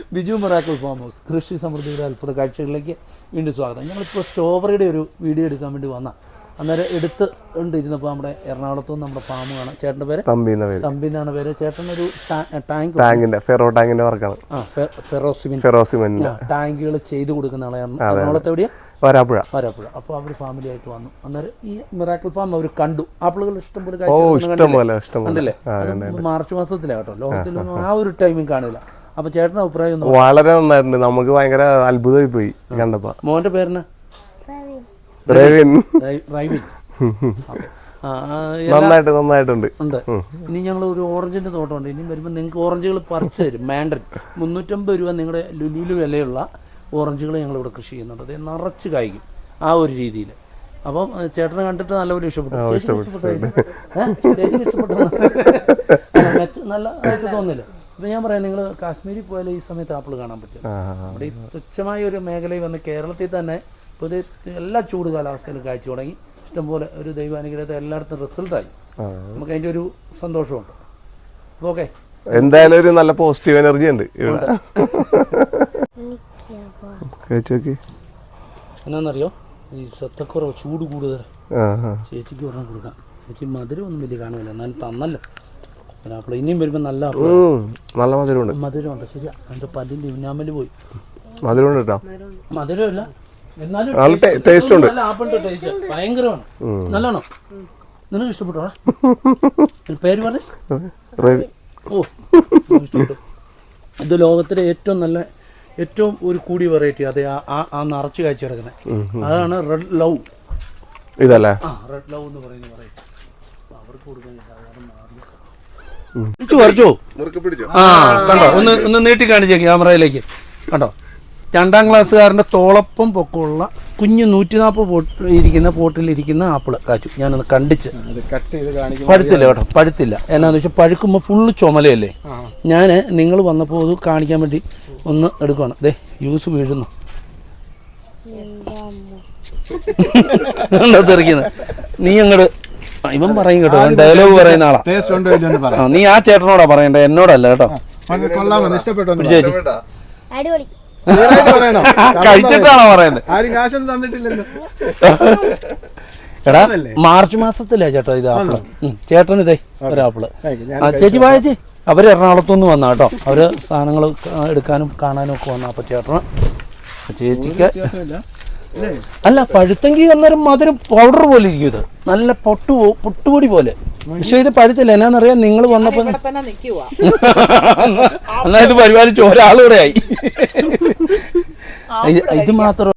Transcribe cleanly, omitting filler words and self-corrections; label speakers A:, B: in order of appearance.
A: Biju miracle farm house കൃഷി സമൃദ്ധിയുടെ അത്ഭുത കാഴ്ചകളിലേക്ക് വീണ്ടും സ്വാഗതം. ഞങ്ങളിപ്പോൾ സ്ട്രോബെറിയുടെ ഒരു വീഡിയോ എടുക്കാൻ വേണ്ടി വന്ന അന്നേരം ഇരുന്നപ്പോൾ നമ്മുടെ എറണാകുളത്തു നിന്ന് നമ്മുടെ ഫാം കാണാം. ചേട്ടൻ്റെ പേര് തമ്പിന്നാണ് പേര്. ചേട്ടനൊരു ഫെറോസിമെന്റ് ടാങ്കുകൾ ചെയ്തു കൊടുക്കുന്ന ആളാണ്. എറണാകുളത്ത് എവിടെയാ? വരാപ്പുഴ. അപ്പോൾ അവർ ഫാമിലി ആയിട്ട് വന്നു. അന്നേരം ഈ മിറാക്കിൾ ഫാം അവർ കണ്ടു. ആപ്പിളുകൾ ഇഷ്ടംപോലെ കണ്ടില്ലേ? മാർച്ച് മാസത്തിലാട്ടോ, ലോകത്തിലൊന്നും ആ ഒരു ടൈമിൽ കാണില്ല. അപ്പൊ ചേട്ടൻ്റെ അഭിപ്രായം
B: വളരെ നന്നായിട്ടുണ്ട്. നമുക്ക് ഭയങ്കര അത്ഭുതമായി പോയി കണ്ടപ്പോ.
A: മോന്റെ പേരിന്
B: നന്നായിട്ടുണ്ട്.
A: ഇനി ഞങ്ങൾ ഒരു ഓറഞ്ചിന്റെ തോട്ടമുണ്ട്. ഇനി വരുമ്പോൾ നിങ്ങൾക്ക് ഓറഞ്ചുകൾ പറിച്ചു തരും. മാൻഡൻ 350 രൂപ നിങ്ങളുടെ ലുലുവിൽ വിലയുള്ള ഓറഞ്ചുകൾ ഞങ്ങളിവിടെ കൃഷി ചെയ്യുന്നുണ്ട്. അത് നിറച്ച് കായ്ക്കും ആ ഒരു രീതിയിൽ. അപ്പം ചേട്ടനെ കണ്ടിട്ട് നല്ലപോലെ ഇഷ്ടപ്പെട്ടു. നല്ലതായിട്ട് തോന്നില്ല. ഇപ്പം ഞാൻ പറയാം, നിങ്ങൾ കാശ്മീരിൽ പോയാലും ഈ സമയത്ത് ആപ്പിൾ കാണാൻ പറ്റും. അവിടെ ഈ തുച്ഛമായ ഒരു മേഖലയിൽ വന്ന് കേരളത്തിൽ തന്നെ പൊതുവെ എല്ലാ ചൂട് കാലാവസ്ഥയിലും കാഴ്ച തുടങ്ങി. ഇഷ്ടംപോലെ ഒരു ദൈവാനുഗ്രഹത്തെ എല്ലായിടത്തും റിസൾട്ടായി. നമുക്ക് അതിൻ്റെ ഒരു സന്തോഷമുണ്ട്. അപ്പോൾ ഓക്കെ,
B: എന്തായാലും ഒരു നല്ല പോസിറ്റീവ് എനർജി ഉണ്ട് ഇവിടെ.
A: എന്നാന്നറിയോ, ഈ സത്തക്കുറവ്, ചൂട് കൂടുതൽ. ചേച്ചിക്ക് ഒരെണ്ണം കൊടുക്കാം. ചേച്ചി മധുരം ഒന്നും വലിയ കാണുന്നില്ല, എന്നാലും തന്നല്ലോ ആപ്പിൾ. ഇനിയും വരുമ്പോൾ നല്ല മധുരമുണ്ട്. ശരിയാ, എൻ്റെ പല്ലിൻ്റെ ഇന്നാമല് പോയി. മധുരമില്ല എന്നാലും ആപ്പിളിന്റെ ടേസ്റ്റ് ഭയങ്കരമാണ്. നല്ലോണം. നിനക്ക് ഇഷ്ടപ്പെട്ടോ? പേര് പറ. ഓ, ഇത് ലോകത്തിലെ ഏറ്റവും ഒരു കൂടിയ വെറൈറ്റി. അതെ, ആ നിറച്ച് കാഴ്ച കിടക്കുന്നത് അതാണ് റെഡ് ലവ്.
B: ഇതല്ലേ?
A: റെഡ് ലവ് എന്ന് പറയുന്ന വെറൈറ്റി. അവർക്ക് കൊടുക്കാൻ കണ്ടോ? ഒന്ന് നീട്ടി കാണിച്ചേ ക്യാമറയിലേക്ക്. കണ്ടോ, 2ാം ക്ലാസ്സുകാരൻ്റെ തോളപ്പം പൊക്കമുള്ള കുഞ്ഞ് 140 ഇരിക്കുന്ന പോട്ടിലിരിക്കുന്ന ആപ്പിള് കാച്ചു. ഞാനൊന്ന് കണ്ടിച്ച്. പഴുത്തില്ല കേട്ടോ, പഴുത്തില്ല. എന്നാന്ന് വെച്ചാൽ പഴുക്കുമ്പോൾ ഫുള്ള് ചുമലയല്ലേ. ഞാൻ നിങ്ങൾ വന്നപ്പോൾ അത് കാണിക്കാൻ വേണ്ടി ഒന്ന് എടുക്കുകയാണ്. ദേ ജ്യൂസ് വീഴുന്നു. തെറിക്കുന്നത് നീ അങ്ങോട്ട് ഇവൻ പറയും കേട്ടോ, ഡയലോഗ് പറയുന്ന ആളാ. നീ ആ ചേട്ടനോടാ പറയണ്ടേ, എന്നോടല്ല കേട്ടോ. കഴിച്ചിട്ടാണോ പറയുന്നത്? എടാ, മാർച്ച് മാസത്തിലാ ചേട്ടാ ഇത് ആപ്പിള്. ചേട്ടൻ ഇതേ ഒരാപ്പിള്. ചേച്ചി വായിച്ചേ. അവര് എറണാകുളത്തുനിന്ന് വന്നാ കേട്ടോ. അവര് സാധനങ്ങൾ എടുക്കാനും കാണാനും ഒക്കെ വന്ന. അപ്പൊ ചേട്ടന് ചേച്ചിക്ക് അല്ല, പഴുത്തെങ്കിൽ അന്നേരം മധുരം പൗഡർ പോലെ ഇരിക്കും. ഇത് നല്ല പൊട്ടുപൊടി പോലെ. പക്ഷെ ഇത് പഴുത്തില്ല. എന്നാന്നറിയാം, നിങ്ങൾ വന്നപ്പോ എന്നാ ഇത് പരിപാലിച്ച് ഒരാളുകൂടെ ആയി. ഇത് മാത്രം